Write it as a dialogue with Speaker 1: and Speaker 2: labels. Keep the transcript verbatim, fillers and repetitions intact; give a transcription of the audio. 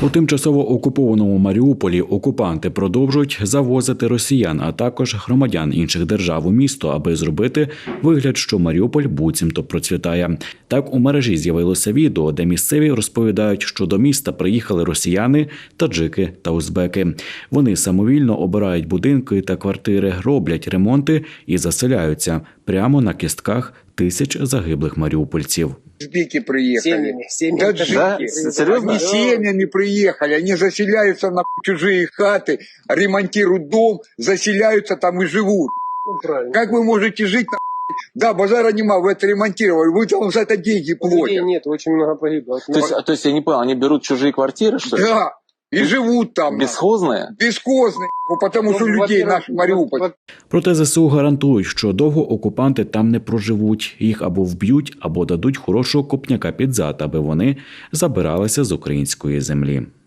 Speaker 1: У тимчасово окупованому Маріуполі окупанти продовжують завозити росіян, а також громадян інших держав у місто, аби зробити вигляд, що Маріуполь буцімто процвітає. Так у мережі з'явилося відео, де місцеві розповідають, що до міста приїхали росіяни, таджики та узбеки. Вони самовільно обирають будинки та квартири, роблять ремонти і заселяються прямо на кістках тисяч загиблих маріупольців.
Speaker 2: Узбеки приехали.
Speaker 3: Семьями, семьями.
Speaker 2: Таджики.
Speaker 3: Да?
Speaker 2: Серьезно? Они семьями приехали, они заселяются на чужие хаты, ремонтируют дом, заселяются там и живут.
Speaker 3: Ну, правильно.
Speaker 2: Как вы можете жить на Да, базара нема, вы это ремонтировали, вы там за это деньги платят.
Speaker 3: Людей нет, очень много погибло.
Speaker 4: То есть, то есть я не понял, они берут чужие квартиры, что ли?
Speaker 2: Да, и живут там.
Speaker 4: Бесхозные?
Speaker 2: Бесхозные, потому что
Speaker 3: Ну,
Speaker 2: людей
Speaker 3: во-первых,
Speaker 2: наш Маріуполь.
Speaker 3: во-
Speaker 1: Проте ЗСУ гарантують, що довго окупанти там не проживуть. Їх або вб'ють, або дадуть хорошого копняка під зад, аби вони забиралися з української землі.